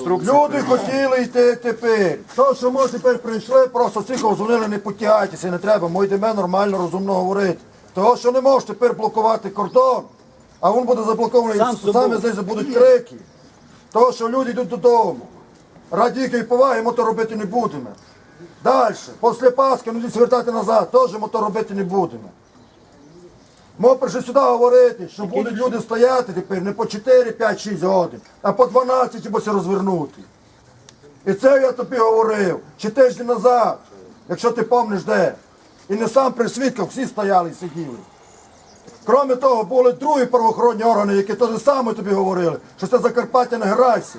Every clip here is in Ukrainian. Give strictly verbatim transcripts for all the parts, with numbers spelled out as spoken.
Люди хотіли йти тепер. То, що ми тепер прийшли, просто всіх дзвонили, не потягайтеся, не треба, ми йдемо нормально, розумно говорити. Того, що не можеш тепер блокувати кордон, а він буде заблокований, саме здесь будуть крики. Того, що люди йдуть додому. Раді якої поваги ми то робити не будемо. Далі, після Пасхи, ну звертати назад, теж ми то робити не будемо. Ми прийшли сюди говорити, що будуть люди стояти тепер не по чотири, п'ять, шість годин, а по дванадцять, або розвернути. І це я тобі говорив, чи тиждень назад, якщо ти пам'ятаєш де. І не сам при свідках всі стояли і сиділи. Крім того, були другі правоохоронні органи, які теж саме тобі говорили, що це Закарпаття, не грайся.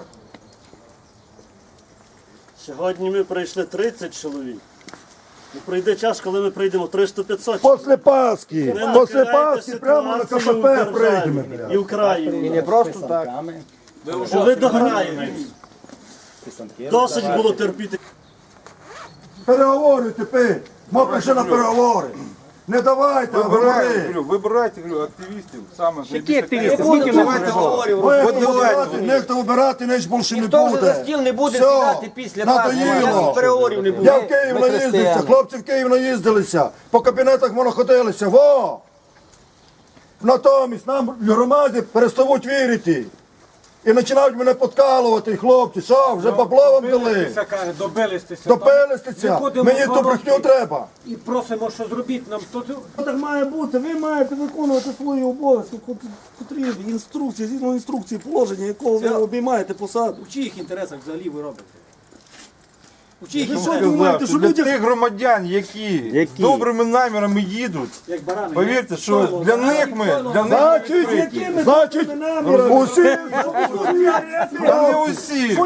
Сьогодні ми прийшли тридцять чоловік. І прийде час, коли ми прийдемо триста-п'ятсот. Після Пасхи, після Пасхи прямо на КПП прийдемо. І в країні. І не просто так. Що ви дограєтесь. Досить було терпіти. Переговори тепер. Ми прийшли на переговори. Не давайте, а говори. Вибирайте, говорю, активістів. Саме. Які активісти? Скільки ми говоримо? Вибирати, ніхто вибирати, ніч більше не Ніхто вже за буде. стіл не буде Все, сідати після Пасхи. надоїло. Ніяких переговорів не Я буде. в Київ Ми наїздився, християни. хлопці в Київ наїздилися, по кабінетах моноходилися, во! Натомість нам в громаді перестають вірити. І починають мене подкалувати, хлопці, що, вже бабло вам дали? Добилися. Допилистися, мені ту брехню треба. І просимо, що зробіть нам. То... Так має бути, ви маєте виконувати свої обов'язки, котрі інструкції, згідно інструкції положення, якого ви обіймаєте посаду. У чиїх інтересах взагалі ви робите? У чиїх Ви що інтересах? думаєте, що Для люди... тих громадян, які, з добрими намірами їдуть, Як барани. повірте, що для них ми, для них ми Значить, відкриті. значить, усі, Та не усі.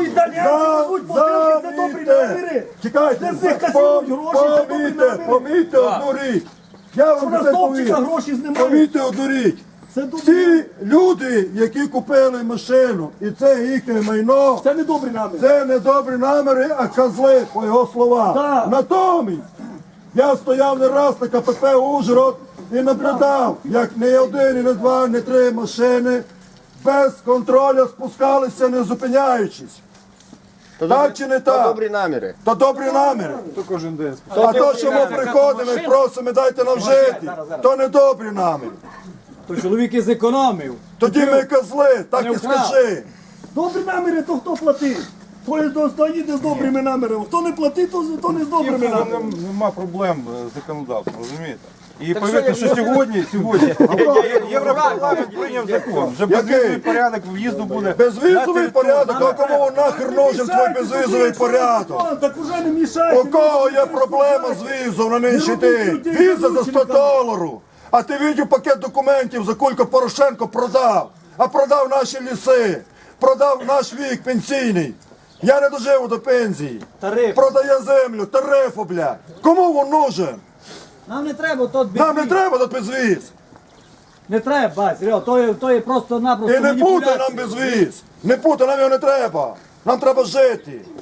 Завійте, чекайте, помійте, помійте одну річ. Я вам це повім. гроші знімають. Помійте одну річ. Це добре. Всі люди, які купили машину, і це їхнє майно, Це не добрі наміри. це не добрі наміри, а козли, по його словах. Так. Натомість, я стояв не раз на КПП Ужгород і наблюдав, як не один, і не два, не три машини без контролю спускалися, не зупиняючись. Так чи не так? Добрі наміри. То добрі наміри. То кожен день. А то, що ми приходимо і просимо, дайте нам жити, то не добрі наміри. То чоловік і зекономив. Тоді ми козли, так і скажи. Добрі наміри, то хто платить? Хто хто їде з добрими намірами. Хто не платить, то, то не з добрими Їм намірами. нема проблем з законодавством, розумієте? І повірте, що сьогодні, сьогодні Європарламент прийняв закон. Вже безвізовий порядок в'їзду буде. Безвізовий порядок, а кому нахер нужен твій безвізовий порядок? Так уже не мішайте. У кого є проблема з візом на нинішній день? Віза за сто доларів. А ти бачив пакет документів, за кілька Порошенко продав. А продав наші ліси, продав наш вік пенсійний. Я не доживу до пенсії. Тариф. Продає землю, тарифу, блядь. Кому він нужен? Нам не треба тут Нам не треба тут безвіз. Не треба, бать, Серега, то є, то є просто-напросто І не путай маніпуляція. нам безвіз. Не путай, нам його не треба. Нам треба жити.